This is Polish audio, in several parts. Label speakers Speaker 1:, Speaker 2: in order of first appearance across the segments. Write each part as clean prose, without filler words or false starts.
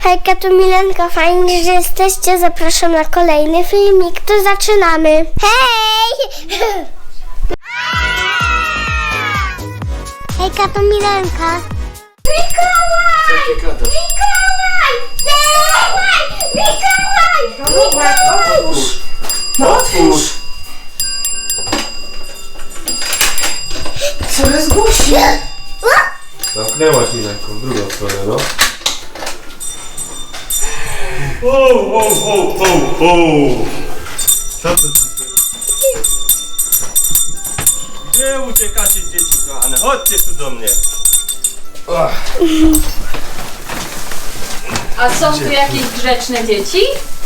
Speaker 1: Hejka, to Milenka, fajnie, że jesteście. Zapraszam na kolejny filmik. To zaczynamy. Hej! Hejka, to Milenka. Mikołaj! Mikołaj! Mikołaj!
Speaker 2: Otwórz! No otwórz! Coraz głośniej!
Speaker 3: Zamknęłaś mi ręką, drugą stronę, no. Co to?
Speaker 4: Gdzie uciekacie, dzieci kochane? Chodźcie tu do mnie.
Speaker 5: A są tu jakieś grzeczne dzieci?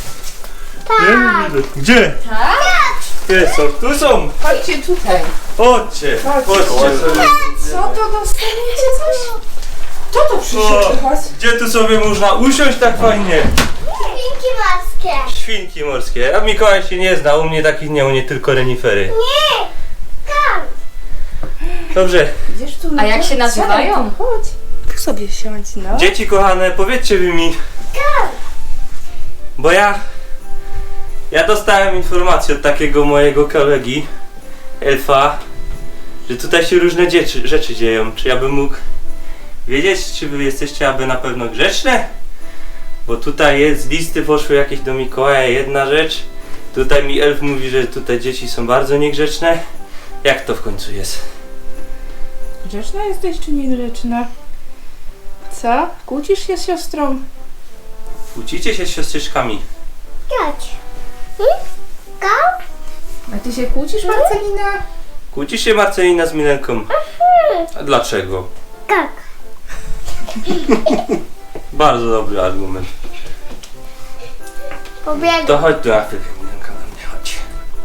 Speaker 4: Gdzie?
Speaker 5: Tak?
Speaker 4: Gdzie są? Tu są!
Speaker 2: Chodźcie tutaj!
Speaker 4: Chodźcie! Chodźcie!
Speaker 2: Co to dostaniecie coś? Kto to przyszedł do was?
Speaker 4: Gdzie tu sobie można usiąść tak fajnie?
Speaker 1: Świnki morskie.
Speaker 4: Świnki morskie. A Mikołaj się nie zna, u mnie takich nie, u mnie tylko renifery.
Speaker 1: Nie! Tam!
Speaker 4: Dobrze.
Speaker 2: Idziesz tu?
Speaker 5: A jak się nazywają?
Speaker 2: Chodź. Tu sobie siądź, no.
Speaker 4: Dzieci kochane, powiedzcie wy mi,
Speaker 1: Tam!
Speaker 4: bo ja dostałem informację od takiego mojego kolegi, Elfa, że tutaj się różne rzeczy dzieją. Czy ja bym mógł wiedzieć, czy wy jesteście aby na pewno grzeczne? Bo tutaj jest, z listy poszły jakieś do Mikołaja jedna rzecz. Tutaj mi Elf mówi, że tutaj dzieci są bardzo niegrzeczne. Jak to w końcu jest?
Speaker 2: Grzeczna jesteś czy niegrzeczna? Co? Kłócisz się z siostrą?
Speaker 4: Kłócicie się z siostrzyczkami.
Speaker 1: Chodź. Tam?
Speaker 2: A ty się kłócisz, Marcelina?
Speaker 4: Kłóci się Marcelina z Milenką. A dlaczego?
Speaker 1: Tak.
Speaker 4: Bardzo dobry argument.
Speaker 1: Pobiegł.
Speaker 4: To chodź tu na chwilę, Milenka, na mnie chodź.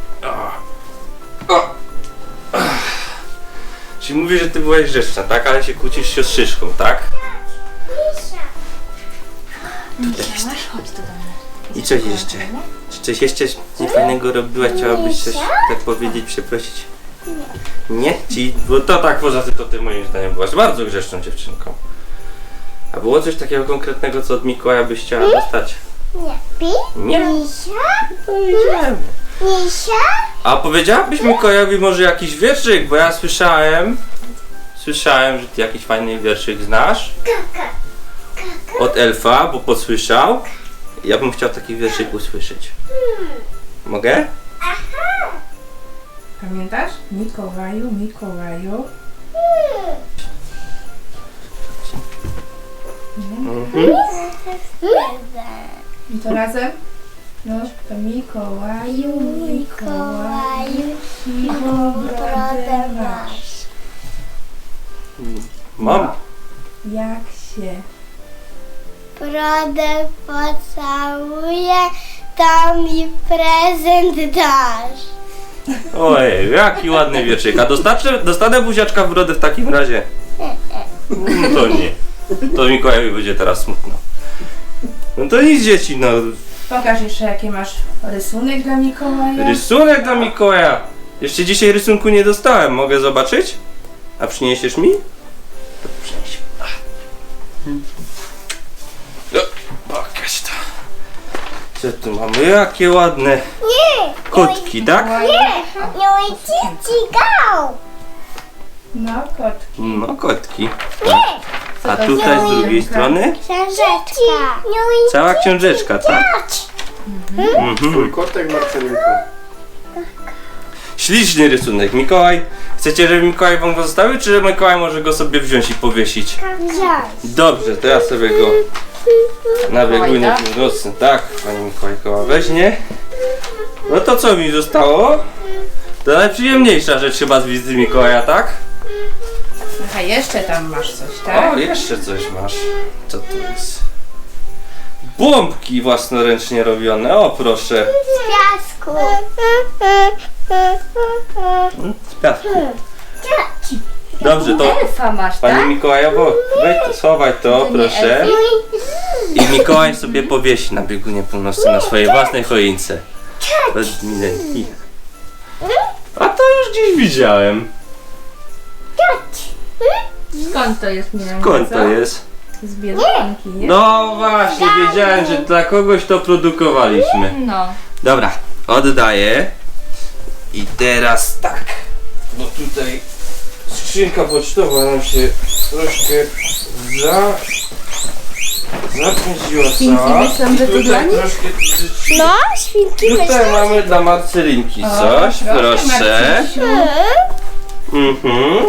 Speaker 4: Czyli mówisz, że ty byłaś grzeczna, tak? Ale się kłócisz z siostrzyczką, tak?
Speaker 5: Chodź tu do mnie.
Speaker 4: I coś jeszcze? Czy coś jeszcze niefajnego robiłaś? Chciałabyś coś tak powiedzieć, przeprosić? Nie? Bo to tak, poza tym to ty moim zdaniem byłaś bardzo grzeczną dziewczynką. A było coś takiego konkretnego, co od Mikołaja byś chciała dostać?
Speaker 1: Nie. Pi?
Speaker 4: Nie?
Speaker 1: Misia? Misia?
Speaker 4: A powiedziałabyś Mikołajowi może jakiś wierszyk, bo ja słyszałem, że ty jakiś fajny wierszyk znasz od Elfa, bo posłyszał. Ja bym chciał taki wierszyk usłyszeć. Mogę?
Speaker 2: Pamiętasz? Mikołaju, Mikołaju. I to razem? No, to Mikołaju, Mikołaju, siwą brodę masz.
Speaker 4: Mam.
Speaker 2: Jak się
Speaker 1: Brodę pocałuję, to mi prezent dasz.
Speaker 4: Ojej, jaki ładny wierszyk. A dostanę buziaczka w brodę w takim razie? No to nie. To Mikołajowi będzie teraz smutno. No to nic, dzieci, no.
Speaker 2: Pokaż jeszcze jakie masz rysunek dla Mikołaja.
Speaker 4: Rysunek dla Mikołaja. Jeszcze dzisiaj rysunku nie dostałem. Mogę zobaczyć? A przyniesiesz mi? To przynieś. No, pokaż to. Co tu mamy? Jakie ładne
Speaker 1: Nie!
Speaker 4: kotki, tak?
Speaker 1: Nie! Nie ojciec go!
Speaker 2: No, kotki.
Speaker 4: No, kotki.
Speaker 1: Nie!
Speaker 4: A tutaj z drugiej strony
Speaker 1: Książeczka.
Speaker 4: cała książeczka, tak?
Speaker 3: Twój kotek, Marcelinko.
Speaker 4: Śliczny rysunek. Mikołaj, chcecie, żeby Mikołaj wam go zostawił, czy że Mikołaj może go sobie wziąć i powiesić? Dobrze, to ja sobie go na biegunie północnym. Tak, pani Mikołajkowa weźmie. No to co mi zostało? To najprzyjemniejsza rzecz chyba z wizyty Mikołaja, tak?
Speaker 2: Aha, jeszcze tam masz coś, tak?
Speaker 4: O, jeszcze coś masz. Co tu jest? Bombki własnoręcznie robione, o proszę.
Speaker 1: Z piasku.
Speaker 4: Z piasku. Dobrze, to
Speaker 5: Elfa masz,
Speaker 4: pani
Speaker 5: tak?
Speaker 4: Mikołajowo, weź to, schowaj to, proszę. I Mikołaj sobie powiesi na biegunie północnym na swojej własnej choince. Bez Milenki. A to już gdzieś widziałem.
Speaker 5: Skąd to jest, Milenka?
Speaker 4: Skąd to jest?
Speaker 2: Z Biedronki, nie?
Speaker 4: No właśnie, wiedziałem, że dla kogoś to produkowaliśmy.
Speaker 5: No.
Speaker 4: Dobra, oddaję. I teraz tak. Bo tutaj skrzynka pocztowa nam się troszkę zapędziła
Speaker 2: Świnki
Speaker 4: cała.
Speaker 2: myślą, że to
Speaker 4: Tutaj
Speaker 2: dla nich?
Speaker 4: troszkę rzeczy-
Speaker 1: No, świnki
Speaker 4: Tutaj
Speaker 1: myślę.
Speaker 4: mamy dla Marcelinki coś, proszę.
Speaker 2: Marcysiu.
Speaker 4: Mhm.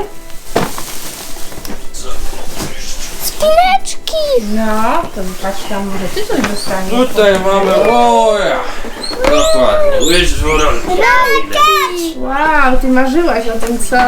Speaker 1: Spineczki.
Speaker 2: No, to patrz tam, może ty coś dostaniesz.
Speaker 4: Tutaj mamy, oja, dokładnie, łyż dwurolki.
Speaker 2: Wow, ty marzyłaś o tym, co?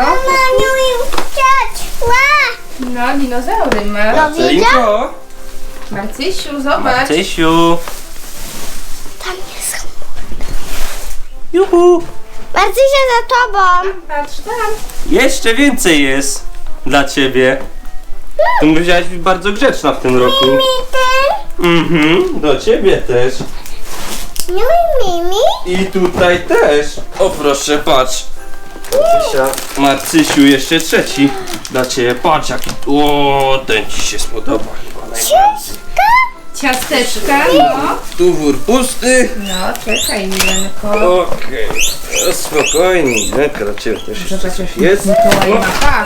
Speaker 2: No, dinozaury masz.
Speaker 4: Marcelinko,
Speaker 2: Marcysiu, zobacz.
Speaker 4: Marcysiu,
Speaker 1: Tam jest.
Speaker 4: juhu,
Speaker 1: Marcysia za tobą.
Speaker 2: Patrz tam.
Speaker 4: jeszcze więcej jest dla ciebie. Ty musiałaś być bardzo grzeczna w tym roku. Mhm, do ciebie też.
Speaker 1: No i Mimi.
Speaker 4: I tutaj też. O proszę, patrz. Marcysiu, jeszcze trzeci dla ciebie. Patrz jaki. O, ten ci się spodoba chyba najbardziej.
Speaker 2: Ciasteczka, no.
Speaker 4: Tu wór pusty.
Speaker 2: No, czekaj, Milenko.
Speaker 4: Okej, no spokojnie. Dla ciebie też jeszcze
Speaker 2: Zobacz,
Speaker 4: coś
Speaker 2: jak
Speaker 4: jest.
Speaker 2: Mikołaj ma pas.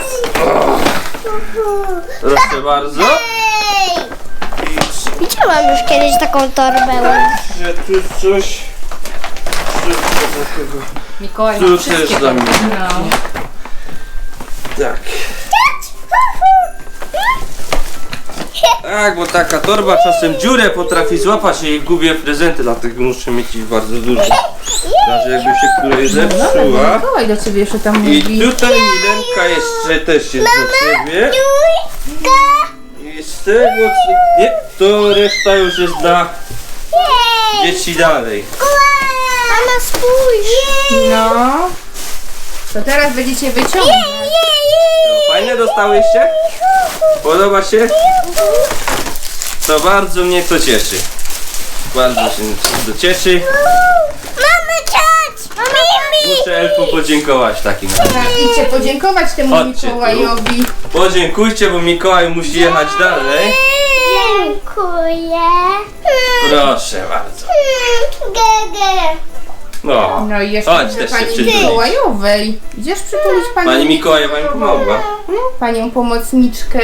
Speaker 4: Proszę bardzo.
Speaker 1: Widziałam już kiedyś taką torbę.
Speaker 4: Że tu coś. Takiego.
Speaker 5: Mikołaj
Speaker 4: Tu
Speaker 5: ma
Speaker 4: też
Speaker 5: wszystkie
Speaker 4: dla mnie.
Speaker 5: No.
Speaker 4: Tak. Tak, bo taka torba czasem dziurę potrafi złapać i gubię prezenty, dlatego muszę mieć ich bardzo dużo. Znaczy jakby się której zepsuła.
Speaker 2: Mikołaj do ciebie jeszcze tam
Speaker 4: I
Speaker 2: mówi.
Speaker 4: tutaj Milenka jeszcze też jest dla ciebie. I z tego co... Nie, to reszta już jest dla dzieci dalej.
Speaker 1: Mama, spójrz.
Speaker 2: No. To teraz będziecie wyciągać.
Speaker 4: No, fajne dostałyście? Podoba się? To bardzo mnie to cieszy. Bardzo się to cieszy.
Speaker 1: Mamy ciać. Mimi.
Speaker 4: Muszę Elfu podziękować w takim razie.
Speaker 2: Tak, idźcie podziękować temu
Speaker 4: Chodźcie tu.
Speaker 2: Mikołajowi.
Speaker 4: Podziękujcie, bo Mikołaj musi jechać dalej.
Speaker 1: Dziękuję.
Speaker 4: Proszę bardzo.
Speaker 1: Gege.
Speaker 4: No,
Speaker 2: No i jeszcze
Speaker 4: chodź
Speaker 2: do
Speaker 4: też się
Speaker 2: pani
Speaker 4: przytulić.
Speaker 2: Mikołajowej. Idziesz przytulić
Speaker 4: Pani Mikołajowa mi pomogła.
Speaker 2: panią pomocniczkę.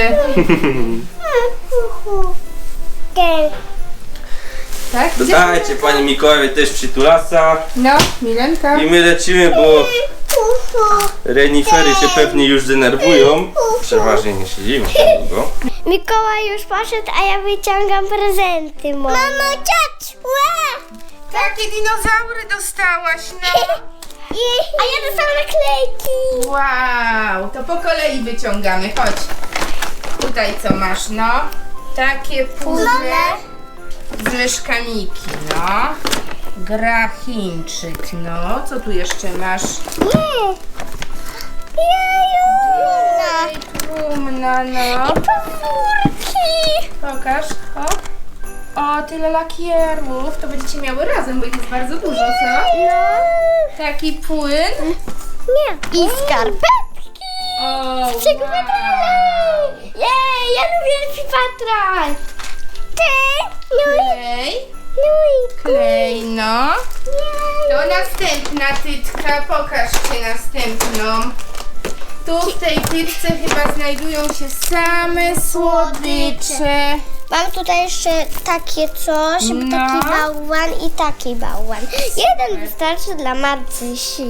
Speaker 1: Gege.
Speaker 2: Tak? Idziesz?
Speaker 4: Dajcie pani Mikołajowi też przytulasa.
Speaker 2: No, Milenka.
Speaker 4: I my lecimy, bo renifery się pewnie już denerwują. Przeważnie nie siedzimy tak długo.
Speaker 1: Mikołaj już poszedł, a ja wyciągam prezenty moje. Mamo, ciać!
Speaker 2: Takie dinozaury dostałaś, no.
Speaker 1: A ja dostałam naklejki.
Speaker 2: Wow, to po kolei wyciągamy, chodź. Tutaj co masz, no. Takie puzzle z myszkami, no. Gra Chińczyk, no. Co tu jeszcze masz?
Speaker 1: Jeju.
Speaker 2: Trumna, no.
Speaker 1: Pazurki.
Speaker 2: Pokaż, o, tyle lakierów. To będziecie miały razem, bo ich jest bardzo dużo, co?
Speaker 1: No.
Speaker 2: Taki płyn.
Speaker 1: Nie. I skarpetki.
Speaker 2: O,
Speaker 1: Czego
Speaker 2: wow.
Speaker 1: Jej, ja lubię Patrol. Ty.
Speaker 2: Klej, klej, no. To następna tytka, pokażcie następną. Tu w tej tytce chyba znajdują się same słodycze.
Speaker 1: Mam tutaj jeszcze takie coś,
Speaker 2: No.
Speaker 1: taki bałwan i taki bałwan. Jeden wystarczy dla Marcysi.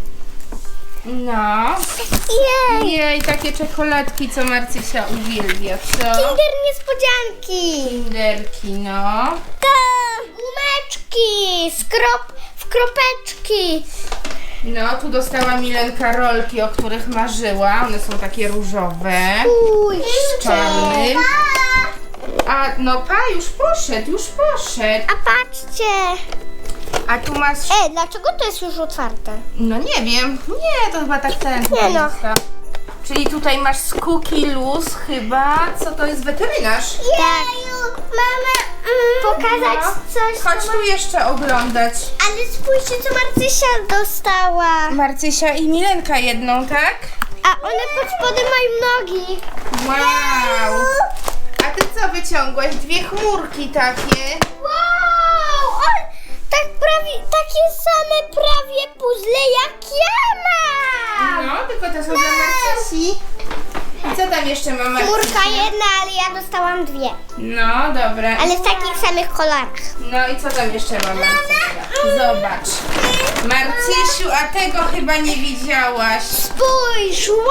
Speaker 2: No.
Speaker 1: Jej.
Speaker 2: Jej, takie czekoladki, co Marcysia uwielbia, co?
Speaker 1: Kinder niespodzianki.
Speaker 2: Kinderki, no.
Speaker 1: Gumeczki. W kropeczki.
Speaker 2: No, tu dostała Milenka rolki, o których marzyła. One są takie różowe.
Speaker 1: Spójrzcie.
Speaker 2: Czarny. A no już poszedł.
Speaker 1: A patrzcie.
Speaker 2: A tu masz...
Speaker 1: Dlaczego to jest już otwarte?
Speaker 2: No nie wiem. Nie, to chyba tak ten.
Speaker 1: Nie no.
Speaker 2: Czyli tutaj masz z Cookie Luz chyba. Co to jest, weterynarz?
Speaker 1: Tak. Mama, pokazać coś.
Speaker 2: Chodź tu jeszcze oglądać.
Speaker 1: Ale spójrzcie, co Marcysia dostała.
Speaker 2: Marcysia i Milenka jedną, tak?
Speaker 1: A one pod spodem mają nogi.
Speaker 2: Wow. A ty co wyciągłaś? Dwie chmurki takie.
Speaker 1: Wow! Tak prawie, takie same prawie puzzle jak ja mam!
Speaker 2: No, tylko to są dla Marcysi. I co tam jeszcze ma Marcysia?
Speaker 1: Chmurka jedna, ale ja dostałam dwie.
Speaker 2: No, dobra.
Speaker 1: Ale w takich samych kolorach.
Speaker 2: No i co tam jeszcze ma Marcysia? Zobacz. Marcysiu, a tego chyba nie widziałaś.
Speaker 1: Spójrz! Wow!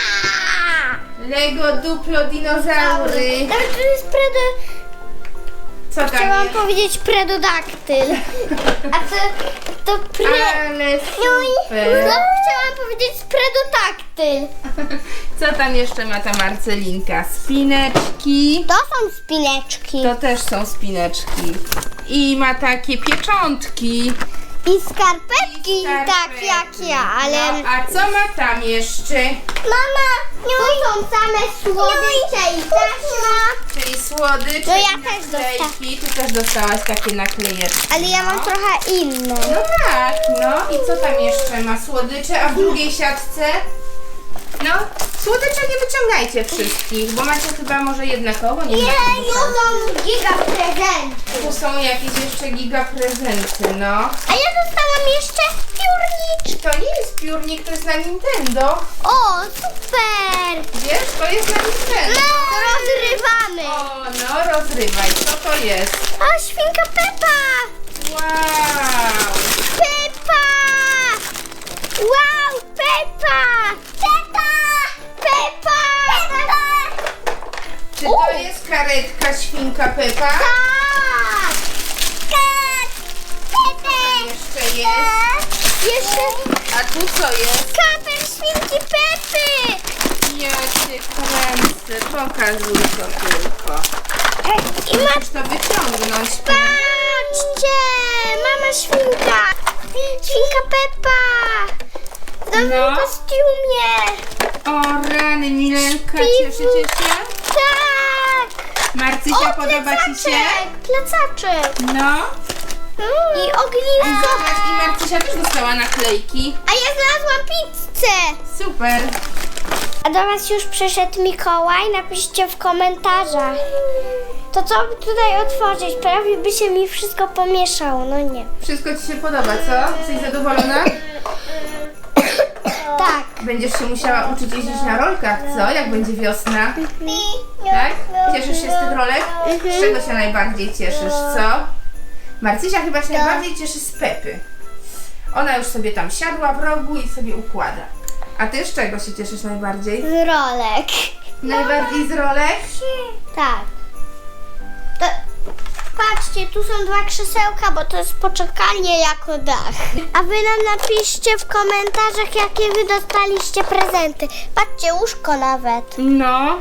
Speaker 2: Lego Duplo dinozaury.
Speaker 1: Nawet to jest
Speaker 2: Co tam
Speaker 1: Chciałam
Speaker 2: jest?
Speaker 1: powiedzieć predodaktyl. A to
Speaker 2: Ale super.
Speaker 1: No, chciałam powiedzieć predodaktyl.
Speaker 2: Co tam jeszcze ma ta Marcelinka? Spineczki.
Speaker 1: To są spineczki.
Speaker 2: To też są spineczki. I ma takie pieczątki.
Speaker 1: I skarpetki, tak
Speaker 2: Skarpetki.
Speaker 1: jak ja, ale...
Speaker 2: No, a co ma tam jeszcze?
Speaker 1: Mama, tu są same słodycze i taśma.
Speaker 2: Czyli słodycze,
Speaker 1: No ja
Speaker 2: i
Speaker 1: też
Speaker 2: naklejki. Ty też dostałaś takie naklejeczki.
Speaker 1: Ale ja mam trochę inne.
Speaker 2: No tak, no i co tam jeszcze ma? Słodycze, a w drugiej siatce? No, słodycze nie wyciągajcie wszystkich, bo macie chyba może jednakowo, nie wiem.
Speaker 1: to są giga prezenty.
Speaker 2: Tu są jakieś jeszcze giga prezenty, no.
Speaker 1: A ja dostałam jeszcze piórniczki.
Speaker 2: To nie jest piórnik, to jest na Nintendo.
Speaker 1: O, super.
Speaker 2: Wiesz, to jest na Nintendo.
Speaker 1: No, rozrywamy.
Speaker 2: O, no rozrywaj, co to jest?
Speaker 1: O, świnka Peppa.
Speaker 2: Wow!
Speaker 1: Peppa. Wow, Peppa. Peppa. Peppa.
Speaker 2: Czy to jest karetka świnka Peppa?
Speaker 1: Tak.
Speaker 2: Jeszcze jest.
Speaker 1: Jeszcze
Speaker 2: A tu co jest?
Speaker 1: kaper świnki Peppy.
Speaker 2: Ja cię kręcę, pokazuj to tylko.
Speaker 1: I ma...
Speaker 2: Możesz to wyciągnąć.
Speaker 1: Patrzcie, mama świnka. Świnka Peppa. W nowym
Speaker 2: No.
Speaker 1: kostiumie.
Speaker 2: O rany, Milenka,
Speaker 1: Śpiwu.
Speaker 2: cieszycie się?
Speaker 1: Tak.
Speaker 2: Marcysia, podoba ci się?
Speaker 1: Plecaczek.
Speaker 2: No.
Speaker 1: I ognisko.
Speaker 2: Zobacz, i Marcysia też dostała naklejki.
Speaker 1: A ja znalazłam pizzę.
Speaker 2: Super.
Speaker 1: A do was już przyszedł Mikołaj? Napiszcie w komentarzach. To co by tutaj otworzyć? Prawie by się mi wszystko pomieszało, no nie.
Speaker 2: Wszystko ci się podoba, co? Jesteś zadowolona?
Speaker 1: Tak.
Speaker 2: Będziesz się musiała uczyć jeździć na rolkach, co? Jak będzie wiosna? Tak? Cieszysz się z tych rolek? Z czego się najbardziej cieszysz, co? Marcysia chyba się najbardziej cieszy z Pepy. Ona już sobie tam siadła w rogu i sobie układa. A ty z czego się cieszysz najbardziej?
Speaker 1: Z rolek.
Speaker 2: Najbardziej z rolek?
Speaker 1: Tak. To, patrzcie, tu są dwa krzesełka, bo to jest poczekalnie jako dach. A wy nam napiszcie w komentarzach, jakie wy dostaliście prezenty. Patrzcie, łóżko nawet.
Speaker 2: No.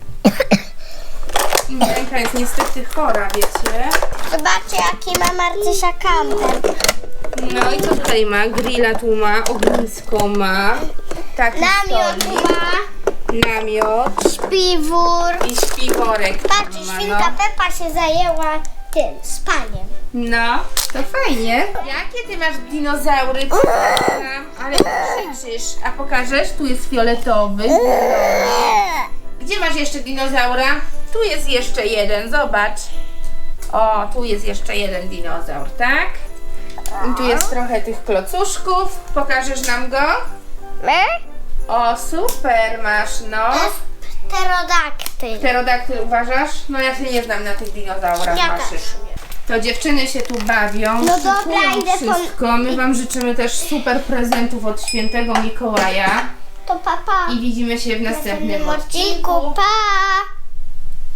Speaker 2: Milenka jest niestety chora, wiecie?
Speaker 1: Zobaczcie, jaki ma Marcysia kamper.
Speaker 2: No i co tutaj ma? Grilla tu ma, ognisko ma. Taki
Speaker 1: Namiot
Speaker 2: stolik,
Speaker 1: ma,
Speaker 2: namiot
Speaker 1: śpiwór.
Speaker 2: i śpiworek.
Speaker 1: Patrzcie,
Speaker 2: ma,
Speaker 1: świnka Peppa się zajęła tym, spaniem.
Speaker 2: No, to fajnie. Jakie ty masz dinozaury? Ale krzyczysz. A pokażesz? Tu jest fioletowy. Gdzie masz jeszcze dinozaura? Tu jest jeszcze jeden, zobacz. O, tu jest jeszcze jeden dinozaur, tak? I tu jest trochę tych klocuszków. Pokażesz nam go? O, super masz, no.
Speaker 1: To jest pterodaktyl.
Speaker 2: Pterodaktyl uważasz? No ja się nie znam na tych dinozaurach
Speaker 1: Ja
Speaker 2: waszych.
Speaker 1: też.
Speaker 2: To dziewczyny się tu bawią,
Speaker 1: No dobra,
Speaker 2: szykują
Speaker 1: idę po-
Speaker 2: wszystko. My wam życzymy też super prezentów od świętego Mikołaja.
Speaker 1: To papa.
Speaker 2: I widzimy się w następnym odcinku.
Speaker 1: odcinku. Pa!